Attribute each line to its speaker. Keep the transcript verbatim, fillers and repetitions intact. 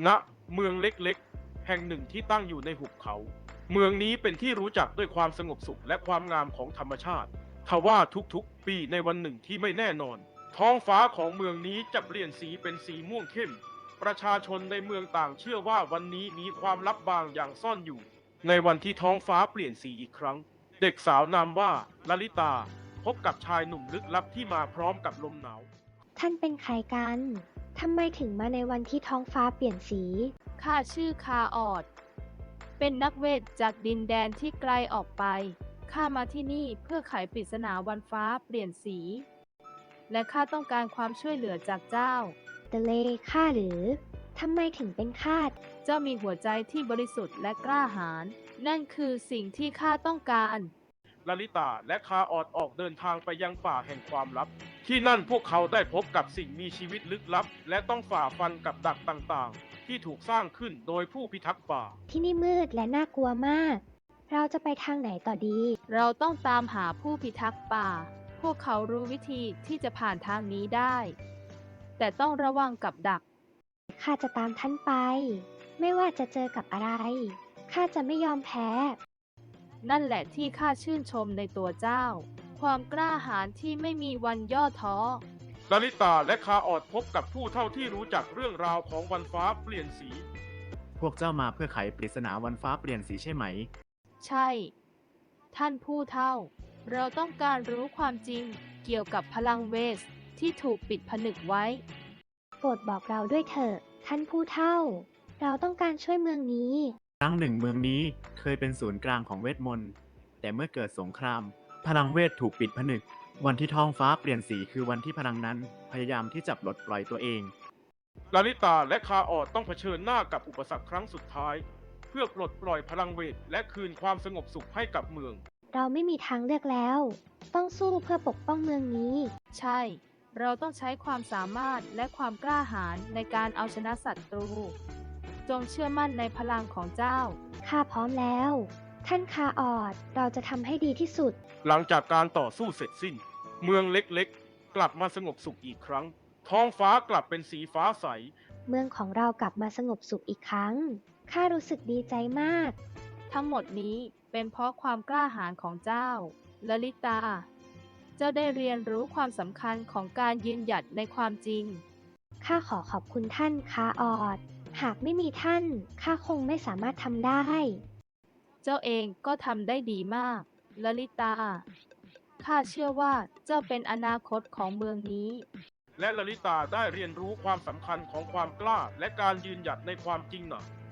Speaker 1: ณเมืองเล็กๆแห่งหนึ่งที่ตั้งอยู่ในหุบเขา เมืองนี้เป็นที่รู้จักด้วยความสงบสุขและความงามของธรรมชาติทว่าทุกๆปีในวันหนึ่งที่ไม่แน่นอนท้องฟ้าของเมืองนี้จะเปลี่ยนสีเป็นสีม่วงเข้มประชาชนในเมืองต่างเชื่อว่าวันนี้มีความลับบางอย่างซ่อนอยู่ในวันที่ท้องฟ้าเปลี่ยนสีอีกครั้งเด็กสาวนามว่าลลิตาพบกับชายหนุ่มลึกลับที่มาพร้อมกับลมหนาว
Speaker 2: ท่านเป็นใครกัน ทำไมถึงมาในวันที่ท้องฟ้าเปลี่ยนสี
Speaker 3: ข้าชื่อคาออด เป็นนักเวทจากดินแดนที่ไกลออกไป ข้ามาที่นี่เพื่อไขปริศนาวันฟ้าเปลี่ยนสี และข้าต้องการความช่วยเหลือจากเจ้า
Speaker 2: เดเลข้าหรือ ทำไมถึงเป็นข้า
Speaker 3: เจ้ามีหัวใจที่บริสุทธิ์และกล้าหาญ นั่นคือสิ่งที่ข้าต้องการ
Speaker 1: ลลิตาและคาออดออกเดินทางไปยังป่าแห่งความลับ ที่นั่นพวกเขาได้พบกับสิ่งมีชีวิตลึกลับ และต้องฝ่าฟันกับดักต่างๆ ที่ถูกสร้างขึ้นโดยผู้พิทักษ์ป่า
Speaker 2: ที่นี่มืดและน่ากลัวมาก เราจะไปทางไหนต่อดี
Speaker 3: เราต้องตามหาผู้พิทักษ์ป่า พวกเขารู้วิธีที่จะผ่านทางนี้ได้ แต่ต้องระวังกับดัก
Speaker 2: ข้าจะตามท่านไป ไม่ว่าจะเจอกับอะไร ข้าจะไม่ยอมแพ้
Speaker 3: นั่นแหละที่ข้าชื่นชมในตัวเจ้า ความกล้าหาญที่ไม่มีวันย่อท้อ
Speaker 1: ลลิตาและคาออดพบกับผู้เฒ่าที่รู้จักเรื่องราวของวันฟ้าเปลี่ยนสี
Speaker 4: พวกเจ้ามาเพื่อไขปริศนาวันฟ้าเปลี่ยนสีใช่ไหม
Speaker 3: ใช่ ท่านผู้เฒ่า เราต้องการรู้ความจริงเกี่ยวกับพลังเวสที่ถูกปิดผนึกไว้
Speaker 2: โปรดบอกเราด้วยเถอะ ท่านผู้เฒ่า เราต้องการช่วยเมืองนี้
Speaker 4: ครั้งหนึ่งเมืองนี้เคยเป็นศูนย์กลางของเวทมนต์ แต่เมื่อเกิดสงคราม พลังเวทถูกปิดผนึก วันที่ท้องฟ้าเปลี่ยนสีคือวันที่พลังนั้นพยายามที่จะปลดปล่อยตัวเอง
Speaker 1: ลลิตาและคาออดต้องเผชิญหน้ากับอุปสรรคครั้งสุดท้าย เพื่อปลดปล่อยพลังเวทและคืนความสงบสุขให้กับเมือง
Speaker 2: เราไม่มีทางเลือกแล้ว ต้องสู้เพื่อปกป้องเมืองนี้
Speaker 3: ใช่ เราต้องใช้ความสามารถและความกล้าหาญในการเอาชนะศัตรู จงเชื่อมั่นในพลังของเจ้า
Speaker 2: ข้าพร้อมแล้ว ท่านคาออด เราจะทำให้ดีที่สุด
Speaker 1: หลังจากการต่อสู้เสร็จสิ้น เมืองเล็กๆ กลับมาสงบสุขอีกครั้ง ท้องฟ้ากลับเป็นสีฟ้าใส
Speaker 2: เมืองของเรากลับมาสงบสุขอีกครั้ง ข้ารู้สึกดีใจมาก
Speaker 3: ทั้งหมดนี้เป็นเพราะความกล้าหาญของเจ้าลลิตา เจ้าได้เรียนรู้ความสำคัญของการยืนหยัดในความจริง
Speaker 2: ข้าขอขอบคุณท่านคาออด หากไม่มีท่าน ข้าคงไม่สามารถทำได้
Speaker 3: เจ้าเองก็ทำได้ดีมากลลิตา ข้าเชื่อว่าเจ้าเป็นอนาคตของเมืองนี้
Speaker 1: และลลิตาได้เรียนรู้ความสำคัญของความกล้าและการยืนหยัดในความจริงหนัก